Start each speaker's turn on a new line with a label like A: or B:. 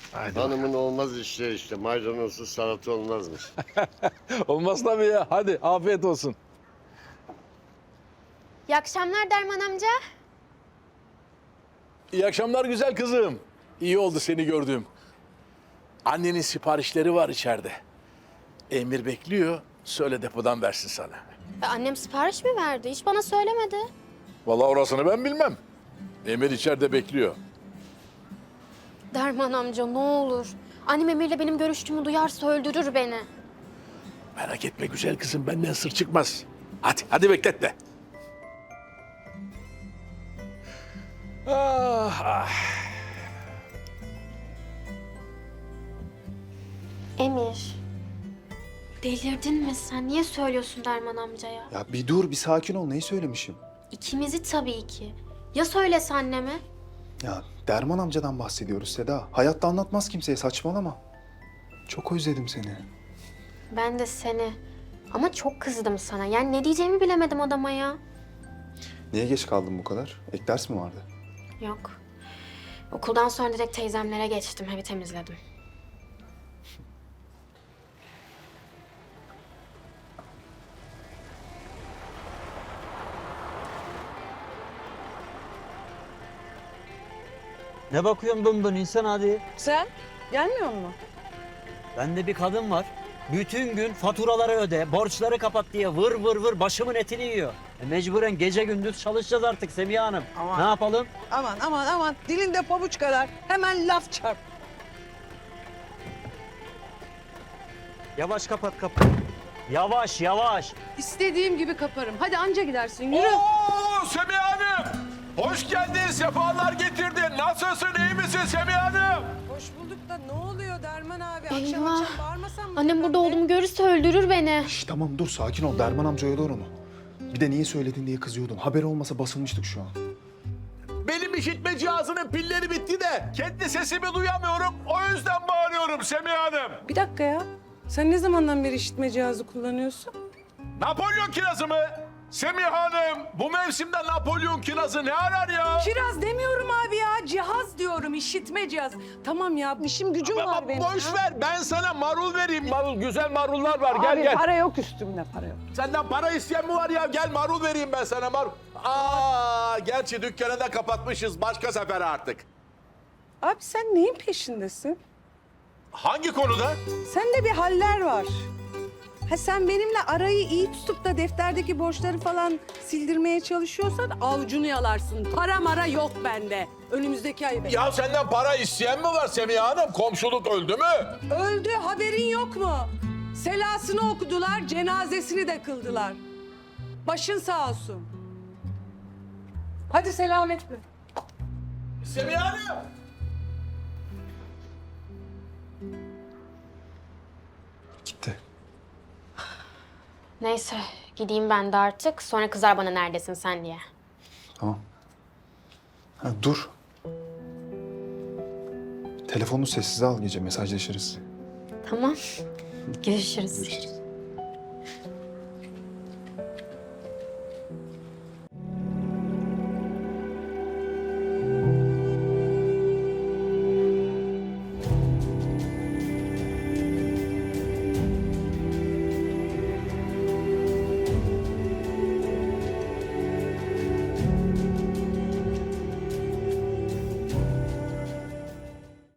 A: Haydi
B: Hanımın olmaz işleri işte. Maydanozsuz salata olmazmış.
A: Olmaz tabii ya. Hadi afiyet olsun.
C: İyi akşamlar Derman amca.
A: İyi akşamlar güzel kızım. İyi oldu seni gördüğüm. Annenin siparişleri var içeride. Emir bekliyor. Söyle depodan versin sana.
C: Annem sipariş mi verdi? Hiç bana söylemedi.
A: Vallahi orasını ben bilmem. Emir içeride bekliyor.
C: Derman amca ne olur. Annem Emir'le benim görüştüğümü duyarsa öldürür beni.
A: Merak etme güzel kızım, benden sır çıkmaz. Hadi bekletme. Ah.
C: Emir. Delirdin mi sen? Niye söylüyorsun Derman amcaya?
D: Ya bir dur, bir sakin ol. Neyi söylemişim?
C: İkimizi tabii ki. Ya söylese anneme?
D: Ya Derman amcadan bahsediyoruz Seda. Hayatta anlatmaz kimseye, saçmalama. Çok özledim seni.
C: Ben de seni. Ama çok kızdım sana. Yani ne diyeceğimi bilemedim adama ya.
D: Niye geç kaldın bu kadar? Ek ders mi vardı?
C: Yok. Okuldan sonra direkt teyzemlere geçtim. Evi temizledim.
E: Ne bakıyorsun dön insan hadi.
F: Sen gelmiyor mu?
E: Bende bir kadın var. Bütün gün faturaları öde, borçları kapat diye vır vır vır başımın etini yiyor. Mecburen gece gündüz çalışacağız artık Semiha Hanım.
F: Aman.
E: Ne yapalım?
F: Aman dilinde pabuç kadar hemen laf çarp.
E: Yavaş kapat kapıyı. Yavaş.
F: İstediğim gibi kaparım. Hadi anca gidersin yürü.
A: Oo Semiha Hanım! Hoş geldin, sefalar getirdin. Nasılsın, iyi misin Semiha Hanım?
F: Hoş bulduk da ne oluyor Derman abi?
C: Eyvah.
F: Bağırmasan mı?
C: Annem burada olduğumu görürse öldürür beni.
D: Şş, tamam dur, sakin ol. Derman amca oyalıyor onu. Bir de niye söyledin diye kızıyordun. Haberi olmasa basılmıştık şu an.
A: Benim işitme cihazının pilleri bitti de kendi sesimi duyamıyorum. O yüzden bağırıyorum Semiha Hanım.
F: Bir dakika ya. Sen ne zamandan beri işitme cihazı kullanıyorsun?
A: Napolyon kirazı mı? Semiha Hanım, bu mevsimde Napolyon kirazı ne arar ya?
F: Kiraz demiyorum abi ya. Cihaz diyorum, işitme cihaz. Tamam ya, işim gücüm var benim.
A: Boş
F: ha.
A: ver, ben sana marul vereyim. Marul, güzel marullar var.
F: Abi para yok üstümde, para yok.
A: Senden para isteyen mi var ya? Gel marul vereyim ben sana marul. Gerçi dükkanı da kapatmışız. Başka sefer artık.
F: Abi sen neyin peşindesin?
A: Hangi konuda?
F: Sende bir haller var. Ha sen benimle arayı iyi tutup da defterdeki borçları falan sildirmeye çalışıyorsan avucunu yalarsın. Para mara yok bende. Önümüzdeki ay be.
A: Ya senden para isteyen mi var Semiha Hanım? Komşuluk öldü mü?
F: Öldü, haberin yok mu? Selasını okudular, cenazesini de kıldılar. Başın sağ olsun. Hadi selametle.
A: Semiha Hanım!
D: Gitti.
C: Neyse gideyim ben de artık. Sonra kızar bana neredesin sen diye.
D: Tamam. Ha, dur. Telefonunu sessize al, gece mesajlaşırız.
C: Tamam. Görüşürüz.
D: Görüşürüz.